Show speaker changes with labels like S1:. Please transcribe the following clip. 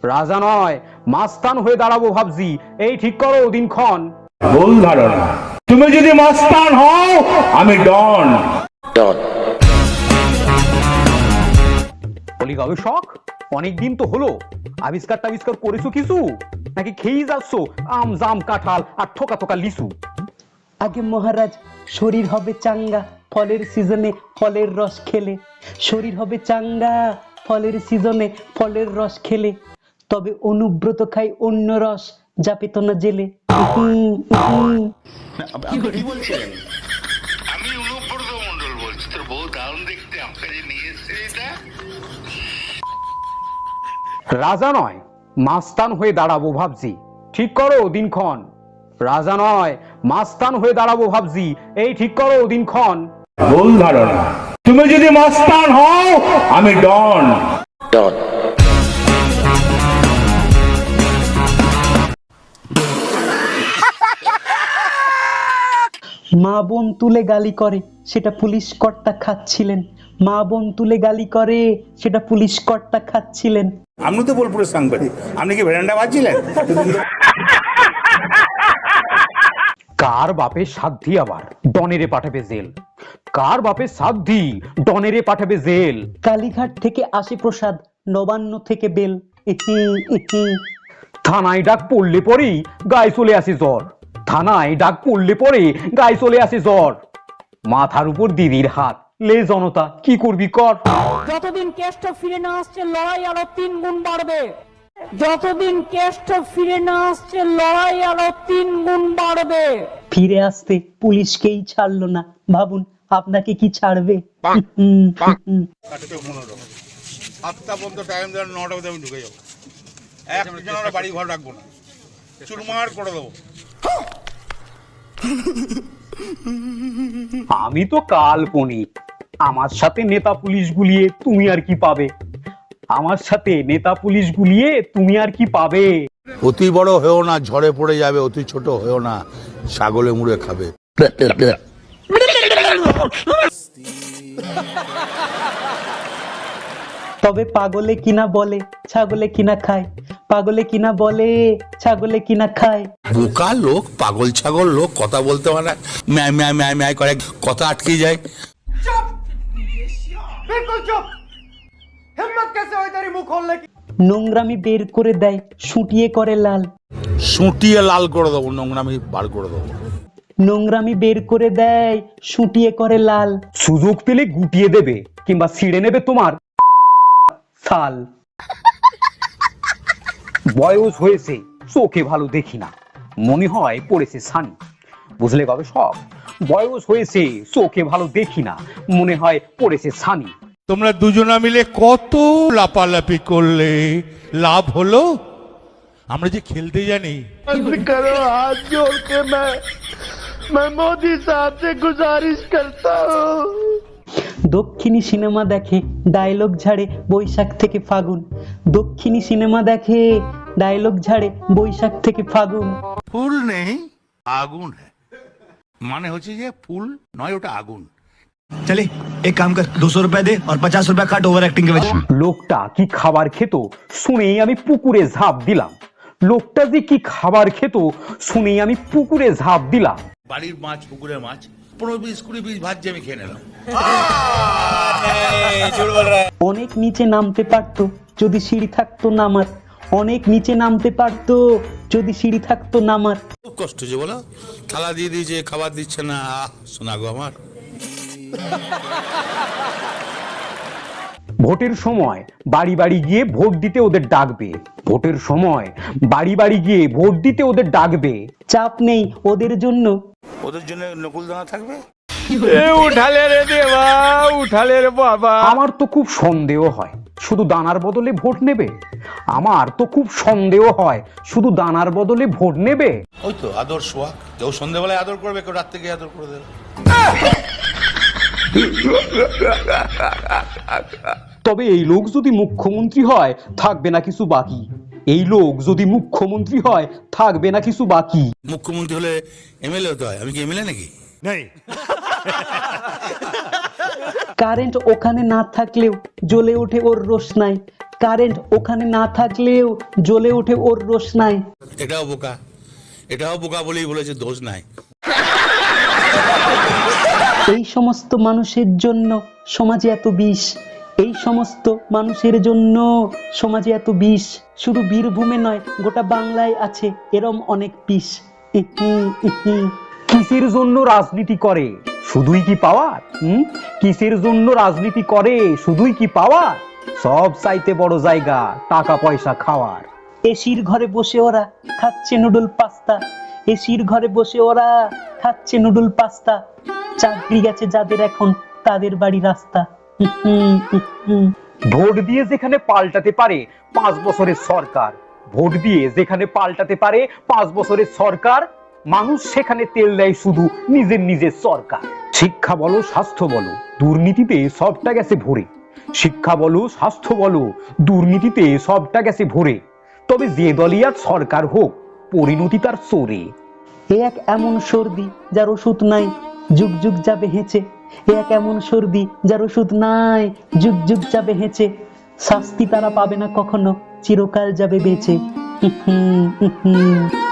S1: রাজা নয় মাস্তান হয়ে দাঁড়াবো ভাবছি, এই ঠিক করো দিনক্ষণ।
S2: ভুল ধারণা, তুমি যদি মাস্তান হও আমি ডন।
S1: বলি গবেষক, অনেকদিন তো হলো, আবিষ্কার টাবিষ্কার করেছো কিছু, নাকি খেয়েই যাচ্ছ আম জাম কাঁঠাল আর থোকা থোকা লিচু?
S3: আগে মহারাজ, শরীর হবে চাঙ্গা ফলের সিজনে ফলের রস খেলে, শরীর হবে চাঙ্গা ফলের সিজনে ফলের রস খেলে, তবে অনুব্রত খাই অন্য রস যা পেত না জেলে।
S4: কি বলছিলেন? আমি অনুব্রত মন্ডল বলছি। তোর বউ দারুণ দেখতে, আমাকে যে নিয়ে এসছে এটা।
S1: রাজা নয় মাস্তান হয়ে দাঁড়াবো ভাবছি, ঠিক করো দিনক্ষণ। রাজা নয় মাস্তান হয়ে দাঁড়াবো ভাবছি, এই ঠিক করো দিনক্ষণ।
S2: ভুল ধারণা, তুমি যদি মাস্তান হও আমি ডন।
S3: মা বোন তুলে গালি করে সেটা পুলিশ কর্তা খাচ্ছিলেন, মা বোন তুলে গালি করে সেটা পুলিশ কর্তা খাচ্ছিলেন।
S2: আপনি তো বোলপুরের সাংবাদিক, আপনি কি ভেরান্ডা বাজছিলেন?
S1: কার বাপের সাধ্যি আবার ডনেরে পাঠাবে জেল, কার বাপের সাধ্যি ডনেরে পাঠাবে জেল।
S3: কালীঘাট থেকে আসে প্রসাদ, নবান্ন থেকে বেল।
S1: থানায় ডাক পড়লে পরেই গায়ে চলে আসে জ্বর, থানায় ডাক পড়লে পরে গায়ে চলে আসে জ্বর। মাথার উপর দিদির হাত, লে জনতা কি করবি কর।
S5: যতদিন কেষ্ট ফিরে না আসছে লড়াই আরো 3 গুণ বাড়বে, যতদিন কেষ্ট ফিরে না আসছে লড়াই আরো 3 গুণ বাড়বে।
S3: ফিরে আসতে পুলিশকেই ছাড়লো না, ভাবুন আপনাকে কি ছাড়বে।
S6: সাতটা পর্যন্ত টাইম দেওয়ার, 9টা মধ্যে আমি ঢুকে যাবো। একজন আমরা বাড়ি ঘর রাখবো না, চুরমার করে দেবো।
S1: আমি তো কাল্পনিক, আমার সাথে নেতা পুলিশ গুলিয়ে তুমি আর কি পাবে, আমার সাথে নেতা পুলিশ গুলিয়ে তুমি আর কি পাবে।
S7: অতি বড় হয়েও না, ঝড়ে পড়ে যাবে, অতি ছোট হয়েও না, ছাগলে মুড়ে খাবে।
S3: তবে পাগলে কিনা বলে ছাগলে কিনা খায়, পাগলে কিনা বলে ছাগলে কিনা খায়।
S7: বোকা লোক, পাগল ছাগল লোক, কথা বলতে পারে, ম্যায় ম্যায় ম্যায় ম্যায় করে, কথা আটকে যায়।
S3: নোংরামি বের করে দেয়, শুটিয়ে করে লাল,
S7: সুটিয়ে লাল করে দেবো, নোংরামি বার করে দেবো।
S3: নোংরামি বের করে দেয়, শুটিয়ে করে লাল।
S1: সুযোগ পেলে গুটিয়ে দেবে কিংবা ছিঁড়ে নেবে তোমার ছাল। বয়স হয়েছে চোখে ভালো দেখি না, মনে হয় পড়েছে ছানি। বুঝলে গবেষক, বয়স হয়েছে চোখে ভালো দেখি না, মনে হয় পড়েছে ছানি।
S8: তোমরা দুজনা মিলে কত লাপালাপি করলে, লাভ হলো? আমরা যে খেলতে জানি।
S6: করো হাত জোড় কে मैं मोदी साहब से गुजारिश करता हूँ।
S3: দক্ষিণী সিনেমা দেখে ডায়লগ ঝাড়ে বৈশাখ থেকে ফাগুন, দক্ষিণী সিনেমা দেখে ডায়লগ ঝাড়ে বৈশাখ থেকে ফাগুন।
S7: ফুল নেই, আগুন হ্যাঁ, মানে হচ্ছে যে ফুল নয়, ওটা আগুন।
S9: चले एक काम कर, 200 रुपए दे और 50 रुपए काट ओवर एक्टिंग के वजह।
S1: লোকটা কি খাবার খেত শুনেই আমি পুকুরে ঝাঁপ দিলাম, লোকটা যে কি খাবার খেত শুনেই আমি পুকুরে ঝাঁপ দিলাম।
S7: বাড়ির মাছ, পুকুরের মাছ 15-20-20 পিস ভাত যে আমি খেয়ে নিলাম।
S3: অনেক নিচে নামতে পারতো যদি সিঁড়ি থাকতো নামার, অনেক নিচে নামতে পারতো যদি সিঁড়ি থাকতো নামার।
S7: খুব কষ্ট হচ্ছে বলো, থালা দিয়ে দিয়েছে, খাবার দিচ্ছে না, শোনা গো আমার।
S1: ভোটের সময় বাড়ি বাড়ি গিয়ে ভোট দিতে ওদের ডাকবে, ভোটের সময় বাড়ি বাড়ি গিয়ে ভোট দিতে ওদের ডাকবে।
S3: চাপ নেই ওদের জন্য,
S7: ওদের জন্য নকুলদানা থাকবে।
S6: উঠালে রে দেবা, উঠালে রে বাবা।
S1: আমার তো খুব সন্দেহ হয় শুধু দানার বদলে ভোট নেবে, আমার তো খুব সন্দেহ হয় শুধু দানার বদলে ভোট নেবে।
S7: ওই তো আদর সোয়া, কেউ সন্ধ্যেবেলায় আদর করবে, কেউ রাত থেকে আদর করে দেবে।
S1: তবে এই লোক যদি মুখ্যমন্ত্রী হয় থাকবে না কিছু বাকি, এই লোক যদি মুখ্যমন্ত্রী হয় থাকবে না কিছু বাকি।
S7: মুখ্যমন্ত্রী হলে এমএলএ হতে হয়, আমি কি এমএলএ নাকি?
S6: नहीं
S3: কারেন্ট ওখানে না থাকলেও জ্বলে ওঠে ওর রোশনাই, কারেন্ট ওখানে না থাকলেও জ্বলে ওঠে ওর রোশনাই।
S7: এটাও বোকা বলেই বলেছে, দোষ নাই।
S3: এই সমস্ত মানুষের জন্য সমাজে এত বিষ, এই সমস্ত মানুষের জন্য সমাজে এত বিষ। শুধু বীরভূমে নয়, গোটা বাংলায় আছে এরম অনেক বিষ।
S1: কিসের জন্য রাজনীতি করে, শুধুই কি পাওয়ার? কিসের জন্য রাজনীতি করে, শুধুই কি পাওয়ার? সব চাইতে বড় জায়গা টাকা পয়সা খাওয়ার।
S3: এসির ঘরে বসে ওরা খাচ্ছে নুডল পাস্তা, এসির ঘরে বসে ওরা খাচ্ছে নুডল পাস্তা। চাকরি গেছে যাদের এখন, তাদের বাড়ি রাস্তা।
S1: ভোট দিয়ে যেখানে পাল্টাতে পারে 5 বছরের সরকার, ভোট দিয়ে যেখানে পাল্টাতে পারে 5 বছরের সরকার, মানুষ সেখানে তেল দেয় শুধু নিজের সরকার। শিক্ষা বলো স্বাস্থ্য বলো দুর্নীতিতে সবটা গেছে ভরে, শিক্ষা বলো স্বাস্থ্য বলো দুর্নীতিতে সবটা গেছে ভরে। তবে যে দলই আজ সরকার হোক, পরিণতি তার সরে।
S3: এ এক এমন সর্দি যার ওষুধ নাই, যুগ যুগ যাবে হেঁচে। এ এক এমন সর্দি যার ওষুধ নাই, যুগ যুগ যাবে হেঁচে। শাস্তি তারা পাবে না কখনো, চিরকাল যাবে বেঁচে।